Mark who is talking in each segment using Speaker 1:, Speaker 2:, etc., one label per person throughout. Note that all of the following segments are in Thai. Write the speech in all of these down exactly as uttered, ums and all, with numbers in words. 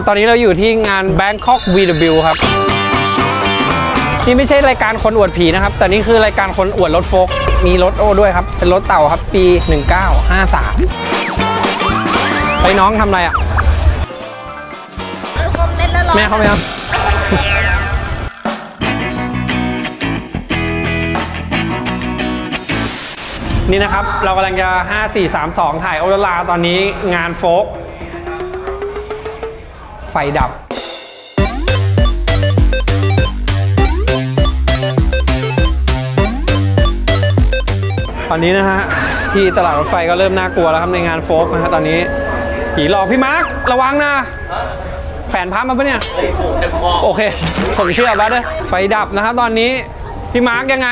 Speaker 1: ตอนนี้เราอยู่ที่งาน Bangkok วี ดับเบิลยู ครับนี่ไม่ใช่รายการคนอวดผีนะครับแต่นี่คือรายการคนอวดรถโฟล์คมีรถโอ้ด้วยครับเป็นรถเต่าครับปีหนึ่งเก้าห้าสามไปน้องทำอะไรอ่ะแม่เขาไหมครับนี่นะครับเรากำลังจะห้า สี่ สาม สองถ่ายโอลาตอนนี้งานโฟล์คไฟดับตอนนี้นะฮะที่ตลาดรถไฟก็เริ่มน่ากลัวแล้วครับในงานโฟล์คนะฮะตอนนี้ผีหลอกพี่มาร์คระวังนะแผนพับมาปะเนี่ยโอเคผมเชื่อแล้วเด้อไฟดับนะครับตอนนี้พี่มาร์คยังไง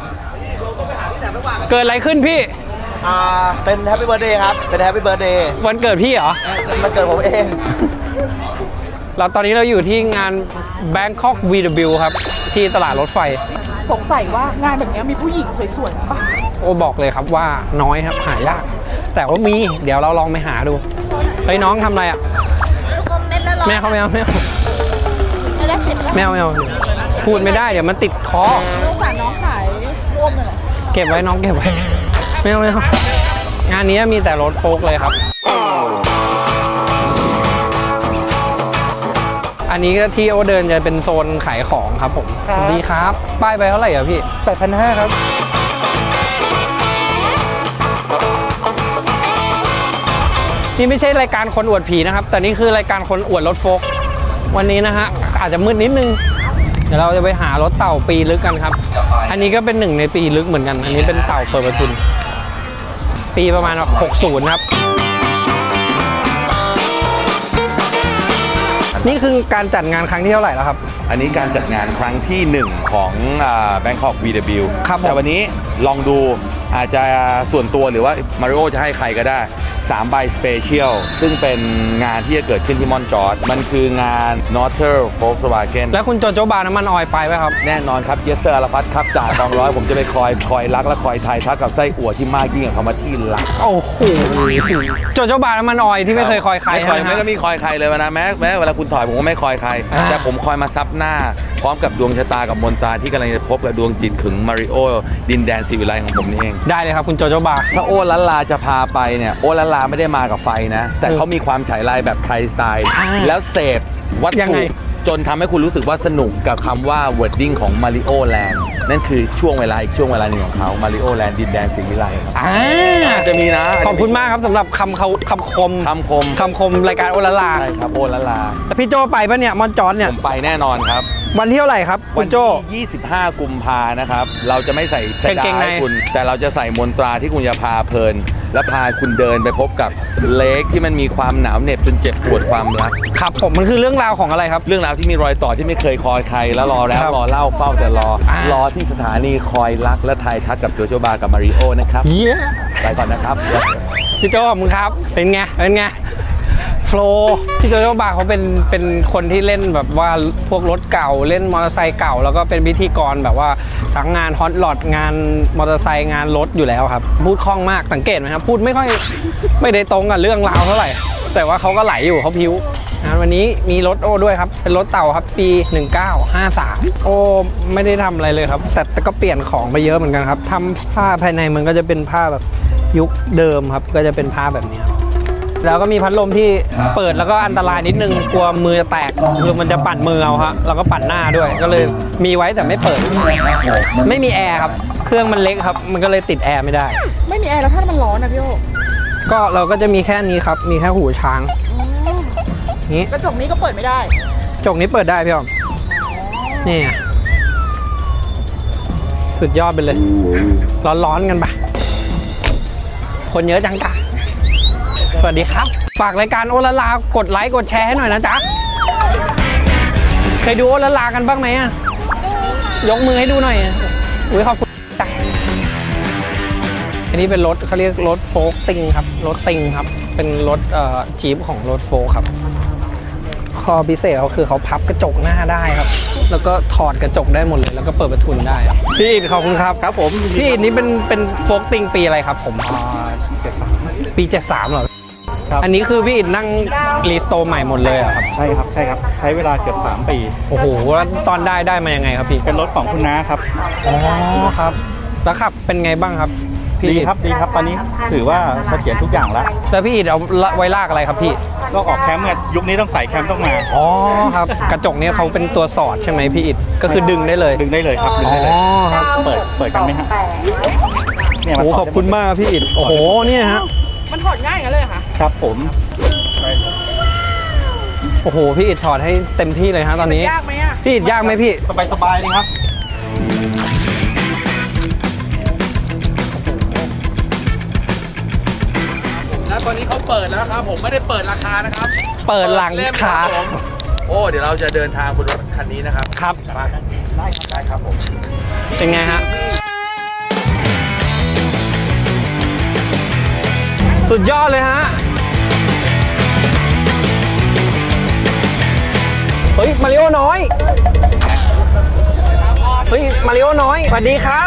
Speaker 1: เกิดอะไรขึ้นพี่
Speaker 2: อ่าเป็นแฮปปี้เบิร์ดเดย์ครับเป็นแฮปปี้เบิร์ดเดย์
Speaker 1: วันเกิดพี่เหรอ
Speaker 2: มันเกิดผมเอง
Speaker 1: เราตอนนี้เราอยู่ที่งาน Bangkok วี ดับเบิลยู ครับที่ตลาดรถไฟ
Speaker 3: สงสัยว่างานแบบนี้มีผู้หญิงสวยๆป่ะ
Speaker 1: โอ้บอกเลยครับว่าน้อยครับหายากแต่ว่ามีเดี๋ยวเราลองไปหาดูเฮ้ยน้องทำอะไรอ่ะแม่เขาไม่เอาแม่แมวแมวพูดไม่ได้เดี๋ยวมันติดคอ
Speaker 3: สงสารน้องขายร่วมเลยเหรอ
Speaker 1: เก็บไว้น้องเก็บไว้ไม่เอาไม่เอางานนี้มีแต่รถโฟล์คเลยครับอันนี้ก็ที่โอเดินจะเป็นโซนขายของครับผมดีครับป้ายไปเท่าไหร่อ่ะพี่
Speaker 3: แปดพันห้าร้อย ครับ
Speaker 1: นี่ไม่ใช่รายการคนอวดผีนะครับแต่นี่คือรายการคนอวดรถโฟล์ควันนี้นะฮะอาจจะมืดนิดนึงเดี๋ยวเราจะไปหารถเต่าปีลึกกันครับอันนี้ก็เป็นหนึ่งในปีลึกเหมือนกันอันนี้เป็นเต่าเปิดประทุนปีประมาณหกสิบครับนี่คือการจัดงานครั้งที่เท่าไหร่แล้วครับ
Speaker 4: อันนี้การจัดงานครั้งที่หนึ่งของ Bangkok วี ดับเบิลยู
Speaker 1: ครับ
Speaker 4: แต่วันนี้ลองดูอาจจะส่วนตัวหรือว่ามาริโอจะให้ใครก็ได้สามใบสเปเชียลซึ่งเป็นงานที่จะเกิดขึ้นที่มอนจอร์จมันคืองาน Northern Volkswagen
Speaker 1: แล้วคุณโจโจบาน้ำมันออยไปไหมครับ
Speaker 4: แน่นอนครับเยสเซอร์อาราฟัตครับจ่าตองร้อยผมจะไปคอยคอยรักและคอยทายทักกับไส้อั่วที่มากยิ่งกับคำว่าที่รัก
Speaker 1: โอ้โหโจโจบาน้ำมันออยที่ไม่เคยคอยใคร
Speaker 4: ไม่คอยไม่ก็มีคอยใครเลยนะแม้แม้เวลาคุณถอยผมก็ไม่คอยใครแต่ผมคอยมาซับหน้าพร้อมกับดวงชะตากับมนตราที่กำลังจะพบกับดวงจิตขึงมาริโอดินแดนศิวิไลของผมนี่เอง
Speaker 1: ได้เลยครับคุณโจโจบา
Speaker 4: ถ้าโอลันลาจะพาไปเนี่ยโอลันลาไม่ได้มากับไฟนะแต่เขามีความฉายลายแบบไทยสไตล์แล้วเสพวัตถุจนทำให้คุณรู้สึกว่าสนุกกับคำว่า wording ของ Mario Land นั่นคือช่วงเวลาอีกช่วงเวลาหนึ่งของเขา Mario Land ดินแดนสิงห์วิไลครับจะมีนะ
Speaker 1: ขอบคุณมากครับสำหรับคำเขาคำคม
Speaker 4: คำคม
Speaker 1: คำคมรายการโอลาลา
Speaker 4: ใช่ครับโอลาลา
Speaker 1: แล้วพี่โจไปปะเนี่ยมอนจอร์จเนี่ย
Speaker 4: ผมไปแน่นอนครับ
Speaker 1: วันที่เท่าไหร่ครับคุณโจ
Speaker 4: วันที่ยี่สิบห้ากุมภานะครับเราจะไม่ใส่เสื้อให้คุณแต่เราจะใส่มนตราที่คุณจะพาเพลินและพาคุณเดินไปพบกับเลคที่มันมีความหนาวเหน็บจนเจ็บปวดความรัก
Speaker 1: ครับผมมันคือเรื่องราวของอะไรครับ
Speaker 4: เรื่องราวที่มีรอยต่อที่ไม่เคยคอยใครแล้วรอแล้วรอเล่าเฝ้าแต่รอรอที่สถานีคอยรักและทายทักกับโจโจบากับมาริโอนะครับไปก่อนนะครับ
Speaker 1: พี่โจขอบคุณครับเป็นไงเป็นไงโฟล์พี่โจโจบาเขาเป็นเป็นคนที่เล่นแบบว่าพวกรถเก่าเล่นมอเตอร์ไซค์เก่าแล้วก็เป็นพิธีกรแบบว่าทั้งงานฮอตลอดงานมอเตอร์ไซค์งานรถอยู่แล้วครับพูดคล่องมากสังเกตไหมครับพูดไม่ค่อยไม่ได้ตรงกับเรื่องราวเท่าไหร่แต่ว่าเขาก็ไหลอยู่เขาพิ้วงานวันนี้มีรถโอ้ด้วยครับเป็นรถเต่าครับปีหนึ่งเก้าห้าสามโอ้ไม่ได้ทำอะไรเลยครับแต่แต่ก็เปลี่ยนของไปเยอะเหมือนกันครับทำผ้าภายในมันก็จะเป็นผ้าแบบยุคเดิมครับก็จะเป็นผ้าแบบนี้แล้วก็มีพัดลมที่เปิดแล้วก็อันตรายนิดนึงกลัวมือจะแตกคือมันจะปั่นมือเอาครับแล้วก็ปั่นหน้าด้วยก็เลยมีไว้แต่ไม่เปิดไม่มีแอร์ครับเครื่องมันเล็กครับมันก็เลยติดแอร์ไม่ได้
Speaker 3: ไม่มีแอร์แล้วถ้ามันร้อนนะพี่โอ
Speaker 1: ก็เราก็จะมีแค่นี้ครับมีแค่หูช้างนี้
Speaker 3: กระจกนี้ก็เปิดไม่ได้
Speaker 1: กระจกนี้เปิดได้พี่อ๋อมนี่สุดยอดไปเลยร้อนๆกันปะคนเยอะจังกะสวัสดีครับฝากรายการโอลาลากดไลค์กดแชร์ให้หน่อยนะจ๊ะเคยดูโอลาลากันบ้างไหมอ่ะยกมือให้ดูหน่อยอุ้ยขอบคุณจ้ะอันนี้เป็นรถเขาเรียกรถโฟล์คติงครับรถติงครับเป็นรถเอ่อจีปของรถโฟล์คครับข้อพิเศษเขาคือเขาพับกระจกหน้าได้ครับแล้วก็ถอดกระจกได้หมดเลยแล้วก็เปิดประทุนได้พี่อิดขอบคุณครับ
Speaker 2: ครับผม
Speaker 1: พี่อิดนี่เป็นเป็นโฟล์คติงปีอะไรครับผมปีเจ็ดสามปีเจ็ดสามเหรอ
Speaker 5: ครับ
Speaker 1: อันนี้คือพี่อิฐนั่งรีสโตร์ใหม่หมดเลยเหรอครับ
Speaker 5: ใช่ครับใช่ครับใช้เวลาเกือบสามปี
Speaker 1: โอ้โหแล้วตอนได้ได้มายังไงครับพี่
Speaker 5: เป็นรถของคุณน้าครับ
Speaker 1: อ๋อครับ แล้วขับเป็นไงบ้างครับพี่
Speaker 5: ดี
Speaker 1: อิฐ
Speaker 5: ครับดีครับตอนนี้ถือว่าเสถียรทุกอย่างแล้ว
Speaker 1: แล้วพี่อิฐเอาละไว้ลากอะไรครับพี่
Speaker 5: ก็ออกแคมป์เมื่อยุคนี้ต้องใส่แคมป์ต้องมา
Speaker 1: อ๋อครับ กระจกเนี่ยเขาเป็นตัวสอดใช่ไหมพี่อิฐก็คือดึงได้เลย
Speaker 5: ดึงได้เลยครับดึง
Speaker 1: อ๋อ
Speaker 5: ได้เลย
Speaker 1: ครับ
Speaker 5: เปิดเปิดกันไหมฮะเนี่ย
Speaker 1: โอ้
Speaker 5: มัน
Speaker 1: ขอบคุณมากครับพี่อิฐโอ้โหเนี่ยฮะ
Speaker 3: มันถอดง่ายอย่างนั้นเลยเหรอคะ
Speaker 5: ครับผมได้เลย
Speaker 1: โอ้โหพี่อิฐถอดให้เต็มที่เลยฮะตอนนี้
Speaker 3: ยากไหมอ่ะ
Speaker 1: พี่อิฐยากไหมพี่
Speaker 5: สบายสบายเลยครับ
Speaker 4: แล้วตอนนี้เขาเปิดแล้วครับผมไม่ได้เปิดราคานะครับ
Speaker 1: เปิดหลัง
Speaker 4: เล่ม
Speaker 1: คา
Speaker 4: รับผมโอ้เดี๋ยวเราจะเดินทางบนรถคันนี้นะครับ
Speaker 1: ครับ
Speaker 4: มาได้ครับได้ครับผม
Speaker 1: เป็นไงฮะสุดยอดเลยฮะเฮ้ยมาริโอน้อยเฮ้ยมาริโอน้อยสวัสดีครับ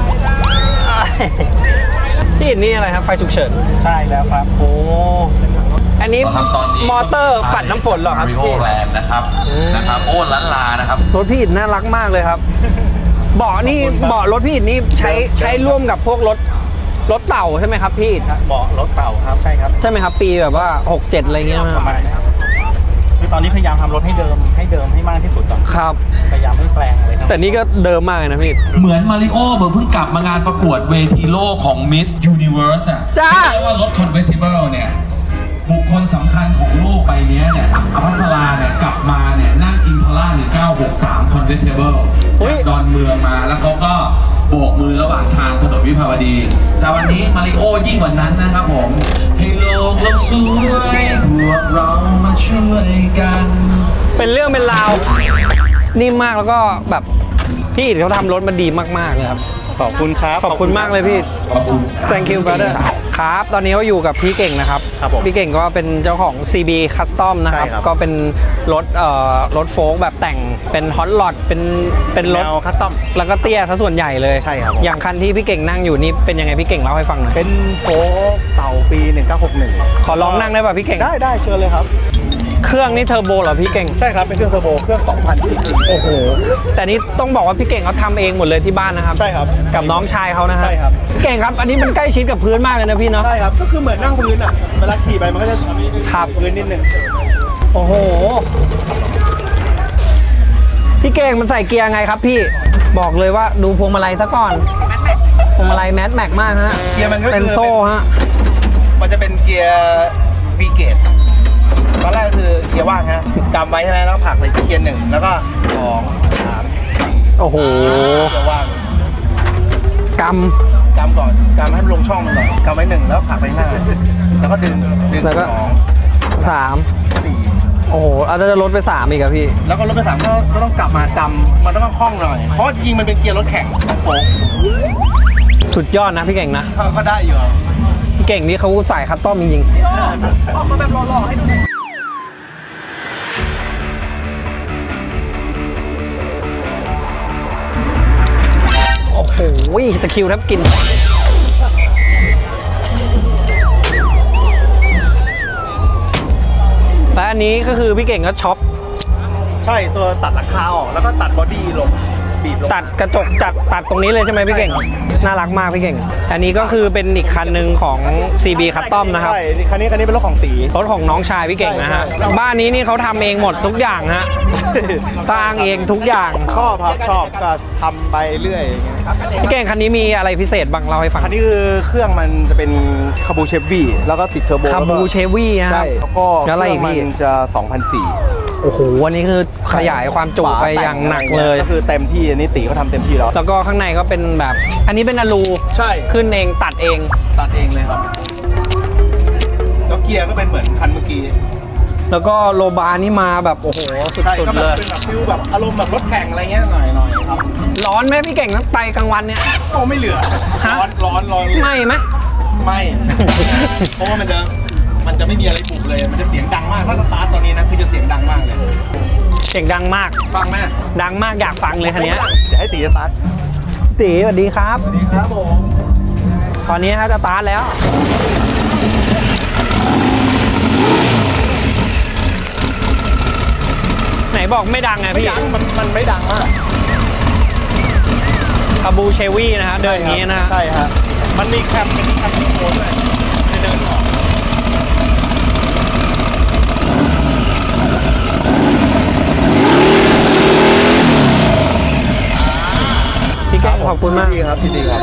Speaker 1: พี่อิฐนี่อะไรครับไฟฉุกเฉิน
Speaker 5: ใช่แล้วครับ
Speaker 1: โอ้อันนี้
Speaker 4: ครับตอนนี้
Speaker 1: มอเตอร์ปัดน้ำฝนเหรอครับ
Speaker 4: มาริโอ
Speaker 1: พี่
Speaker 4: แลนด์นะครับนะครับโอ้ล้านลานะครับ
Speaker 1: รถพี่อิฐน่ารักมากเลยครับเบาะนี่เบาะรถพี่อิฐนี่ใช้ใช้ร่วมกับพวกรถรถเต่าใช่ไหมครับพี่อิฐ
Speaker 5: เบาะรถเต่าครับใช่ครับ
Speaker 1: ใช่ไหมครับปีแบบว่าหกเจ็ดอะไรเงี้ย
Speaker 5: ประมาณนี้ครับคือตอนนี้พยายามทำรถให้เดิมให้เดิมให้มากที่สุดก่อน
Speaker 1: ครับ
Speaker 5: พยายามไม่แปลงเลยครับ
Speaker 1: แต่นี่ก็เดิมมากเลยนะพี่
Speaker 6: เหมือนมาริโอเหมือนเพิ่งกลับมางานประกวดเวทีโลกของ Miss Universe อ่ะ
Speaker 1: จ้า
Speaker 6: เรียกว่ารถ Convertible เนี่ย บุคคลสำคัญของโลกใบนี้เนี่ยอภัสราเนี่ยกลับมาเนี่ยนั่งอินพาร่าหนึ่งเก้าหกสาม Convertible จากดอนเมืองมาแล้วเขาก็โบกมือระหว่างทางถนนวิภาวดี แต่วันนี้มาริโอยิ่งกว่านั้นนะครับผม ให้โลกเราสวยพวกเรามาช่วยกัน
Speaker 1: เป็นเรื่องเป็นราวนิ่มมากแล้วก็แบบพี่อิฐเขาทำรถมาดีมากๆเลยครับ
Speaker 5: ขอบคุณครับ
Speaker 1: ขอบคุณมากเลยพี่
Speaker 6: ขอบคุณ
Speaker 1: thank you brother ครับ ตอนนี้ก็อยู่กับพี่เก่งนะครับ
Speaker 5: ครับผม
Speaker 1: พี่เก่งก็เป็นเจ้าของ ซี บี Custom นะครับ
Speaker 5: ใช่ครับ
Speaker 1: ก็เป็นรถเอ่อรถโฟล์กแบบแต่งเป็นฮอต o อ เป็นเป็นรถ
Speaker 5: แนว custom
Speaker 1: แล้วก็เตี้ยซะส่วนใหญ่เลย
Speaker 5: ใช่ครับผม
Speaker 1: อย่างคันที่พี่เก่งนั่งอยู่นี่เป็นยังไงพี่เก่งเล่าให้ฟังหน่อย
Speaker 5: เป็นโฟล์เต่าปี หนึ่งเก้าหกหนึ่ง
Speaker 1: ขอลองนั่งได้ป่ะพี่เก่ง
Speaker 5: ได้ได้เชิญเลยครับ
Speaker 1: เครื่องนี่เทอร์โบเหรอพี่เก่ง
Speaker 5: ใช่ครับ เป็นเครื่องเทอร์โบ เครื่อง สองพันซีซี
Speaker 1: โอ้โห แต่นี่ต้องบอกว่าพี่เก่งเขาทำเองหมดเลยที่บ้านนะครับ
Speaker 5: ใช่ครับ
Speaker 1: กับน้องชายเขานะฮะ
Speaker 5: ใช่ครับ
Speaker 1: พี่เก่งครับ อันนี้มันใกล้ชิดกับพื้นมากเลยนะพี่เนาะ
Speaker 5: ใช่ครับ ก็คือเหมือนนั่งพื้นอ่ะ เวลาขี่ไปมันก็จะ
Speaker 1: ครับ
Speaker 5: พื้นนิดนึง
Speaker 1: โอ้โห พี่เก่งมันใส่เกียร์ไงครับพี่ บอกเลยว่าดูพวงมาลัยซะก่อน พวงมาลัยแมสแม็กมากฮะ
Speaker 5: เกียร์มันก็คือ
Speaker 1: เป็นโซ่ฮะ
Speaker 5: มันจะเป็นเกียร์ V เกตตอนแรกคือเกียร์ว่างฮะกำไว้ใช่ไหมแล้วผลักไปที่เกียร์หนึ่งแล้วก็สองสาม
Speaker 1: โอ้โห
Speaker 5: เกียร์ว่าง
Speaker 1: ก
Speaker 5: กำก่อนกำให้มันลงช่องมันก่อนกำไว้หนึ่งแล้วผลักไปข้างหน้า แล้วก็ดึงดึง
Speaker 1: แล้วก็
Speaker 5: สอง
Speaker 1: ำสาม
Speaker 5: สี่
Speaker 1: โอ้โหอาจจะลดไปสามอีกอะพี่
Speaker 5: แล้วก็รถไปสามก็ก็ต้องกลับมากำมันต้องคล่องหน่อย เพราะว่าจริงๆมันเป็นเกียร์รถแข่งโฟล์ค
Speaker 1: สุดยอดนะพี่เก่งนะ
Speaker 5: ก็ก็ได้อยู่ครับ
Speaker 1: พี่เก่งนี่เขาใส่คัสตอมจริง
Speaker 3: ออกมาแบบหล่อๆให้ดูหน่อย
Speaker 1: ๆ โอ้โหตะคริวแทบกิน และอันนี้ก็คือพี่เก่งก็ช็อป
Speaker 5: ใช่ตัวตัดหลังคาออกแล้วก็ตัดบอดี้ลงบีบลง
Speaker 1: ตัดกระจกจัดตัดตรงนี้เลยใช่ไหมพี่เก่ง น่ารักมากพี่เก่ง อันนี้ก็คือเป็นอีกคันหนึ่งของ ซี บี Custom นะครับ
Speaker 5: ใช่นี่คันนี้คันนี้เป็นรถของตี
Speaker 1: รถของน้องชายพี่เก่งนะฮะ
Speaker 5: ใช่ใช่
Speaker 1: บ้านนี้นี่เขาทำเองหมดทุกอย่างฮะ สร้างเองทุกอย่าง
Speaker 5: ชอบครับชอบก็ทำไปเรื่อยอย่างเงี้ย
Speaker 1: พี่เก่งคันนี้มีอะไรพิเศษบ้างเล่าให้ฟัง
Speaker 5: คันนี้คือเครื่องมันจะเป็นคาบูเชฟวี่แล้วก็ติดเทอร์โบ
Speaker 1: คาบูเชวี่ฮะ
Speaker 5: ใช่แล้วก็
Speaker 1: แล้วอะไร
Speaker 5: เค
Speaker 1: อี
Speaker 5: รื่
Speaker 1: ก
Speaker 5: อง
Speaker 1: พี่
Speaker 5: มันจะ สองพันสี่
Speaker 1: โอ้โหอันนี้คือขยายความจุไปอย่างหนักเลย
Speaker 5: ก็คือเต็มที่อันนี้ตีเขาทำเต็มที่แล้ว
Speaker 1: แล้วก็ข้างในก็เป็นแบบ อันนี้เป็นอลู
Speaker 5: ใช่
Speaker 1: ขึ้นเองตัดเอง
Speaker 5: ตัดเองเลยครับแล้วเกียร์ก็เป็นเหมือนคันเมื่อกี้
Speaker 1: แล้วก็โลบาร์นี่มาแบบโอ้โหสุ
Speaker 5: ใช่
Speaker 1: ด
Speaker 5: ก็
Speaker 1: ๆ
Speaker 5: แบ
Speaker 1: เล
Speaker 5: บ
Speaker 1: ย
Speaker 5: เป็นแบบฟิลแบบอารมณ์แบบรถแข่งอะไรเงี้ยหน่อยหน่อยครับ
Speaker 1: ร้อนไหมพี่เก่งทั้งไปกลางวันเนี่ย
Speaker 5: โอ้ไม่เหลือ
Speaker 1: ฮะ
Speaker 5: ร้อนร้อนร้อน
Speaker 1: ไม่ไหม
Speaker 5: ไม่ เพราะว่ามันจะมันจะไม่มีอะไรปลุกเลย มันจะเสียงดังมากถ้าสตาร์ทตอนนี้นะคือจะเสียงดังมากเลย
Speaker 1: เสียงดังมาก
Speaker 5: ฟังไหม
Speaker 1: ดังมากอยากฟังเลยคันเนี้ย
Speaker 5: เดี๋ยวให้ตีสตาร์ท
Speaker 1: ตีสวัสดีครับ
Speaker 5: สวัสดีครับผม
Speaker 1: ตอนนี้ฮะจะสตาร์ทแล้วบอกไม่ดังไง
Speaker 5: ไม่
Speaker 1: พี่
Speaker 5: ดังมันมันไม่ดังมาก
Speaker 1: คาบูเชวี่นะฮะเดินอย่างนี้นะฮะ
Speaker 5: ใช่ฮะมันมีแคมเป็นแคมโคด้วยจะเดินออก
Speaker 1: พี่แก้งขอบคุณมาก
Speaker 5: ดีครับดีครับ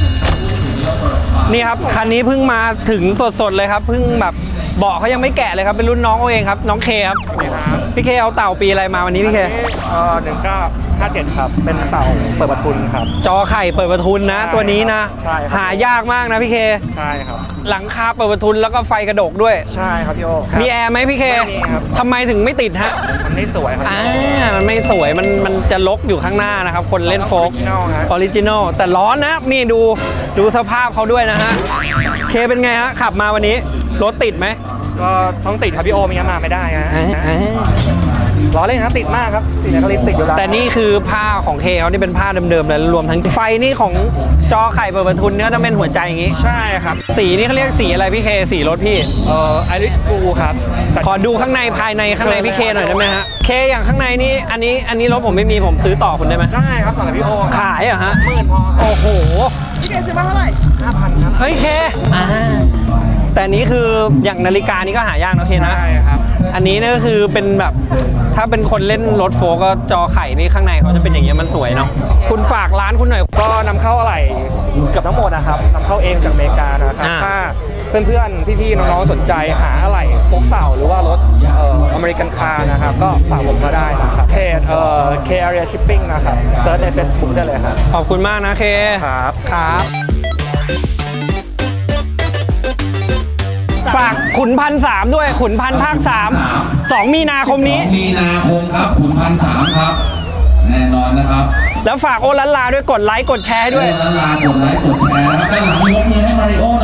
Speaker 1: นี่ครับคันนี้เพิ่งมาถึงสดๆเลยครับเพิ่งแบบเบาะเขายังไม่แกะเลยครับเป็นรุ่นน้องเขาเองครับน้องเคครับพี่เคเอาเต่าปีอะไรมาวันนี้พี่เค
Speaker 2: เออหนึ่งเก้าห้าเจ็ดครับ เป็นเต่าเปิดประทุนครับ
Speaker 1: จอไข่เปิดประทุนนะ ตัวนี้นะ
Speaker 2: ใช่ครับ
Speaker 1: หายากมากนะพี่เค
Speaker 2: ใช่ครับ
Speaker 1: หลังคาเปิดประทุนแล้วก็ไฟกระดกด้วย
Speaker 2: ใช่ครับพี่โอ
Speaker 1: มีแอร์ไหมพี่เค
Speaker 2: ไม่มีครับ
Speaker 1: ทำไมถึงไม่ติดฮะ
Speaker 2: มันไม่สวยครับ
Speaker 1: อ่ามันไม่สวยมันมันจะลกอยู่ข้างหน้านะครับคนเล่นโฟล์ก
Speaker 2: Original ฮะ
Speaker 1: ออริจินอลแต่ร้อนนะนี่ดูดูสภาพเขาด้วยนะฮะเคเป็นไงฮะขับมาวันนี้รถติดไหม
Speaker 2: ก็ต้องติดครับพี่โอไม่งั้นมาไม่ได้ฮะ
Speaker 1: อ่าอ่า
Speaker 2: ล้อเล่นนะติดมากครับสีนครินทร์ติดอยู่แล้ว
Speaker 1: แต่นี่คือผ้าของเคเขานี่เป็นผ้าเดิมๆเลยรวมทั้งไฟนี่ของจอไข่เปิดประทุนเนื้อต้องเป็นหัวใจอย่างงี้
Speaker 2: ใช่ครับ
Speaker 1: สีนี่เขาเรียกสีอะไรพี่เคสีรถพี่
Speaker 2: เอ่อไอริสบูครับแต่
Speaker 1: ขอดูข้างในภายในข้างในพี่เคหน่อยได้ไหมฮะเคอย่างข้างในนี่อันนี้อันนี้รถผมไม่มีผมซื้อต่อคุณได้ไหม
Speaker 2: ได้ครับสำหรับพี่โอ
Speaker 1: ขายเหรอฮะ
Speaker 2: หมื่นพอครับ
Speaker 1: โอ้โห
Speaker 3: พี่เคซื้อมาเท่าไหร่
Speaker 2: ห้าพันครับ
Speaker 1: เฮ้ยเคอ่าแต่อันนี้คืออย่างนาฬิกานี่ก็หายากนะเคนะ
Speaker 2: ใช่ครับ
Speaker 1: อันนี้เนี่ยก็คือเป็นแบบถ้าเป็นคนเล่นรถโฟล์กก็จอไข่นี่ข้างในเขาจะเป็นอย่างเงี้ยมันสวยเนาะคุณฝากร้านคุณหน่อย
Speaker 2: ก็นำเข้าอะไรเกับทั้งหมดนะครับนำเข้าเองจากอเมริกานะครับ
Speaker 1: อ่า
Speaker 2: ถ้าเพื่อนๆ พี่ๆ น้องๆ สนใจหาอะไรโฟกเต่าหรือว่ารถเอ่ออเมริกันคาร์นะครับ ก็ฝากผมมาได้นะครับเพจเอ่อ K Area Shipping นะครับเซิร์ชใน Facebook ได้เลยครับ
Speaker 1: ขอบคุณมากนะเค
Speaker 2: ครับ
Speaker 1: ครับ ฝากขุนพันสามด้วยขุนพันภาคสามสองมีนาคมนี้
Speaker 6: สองมีนาคมครับขุนพันสามครับ แน่นอนนะครับ
Speaker 1: แล้วฝากโอลันลาด้วยกดไลค์กดแชร์ให้ด้วย
Speaker 6: ลาลากดไลค์กดแชร์นะครับด้านหลังยกมือให้มาริโอ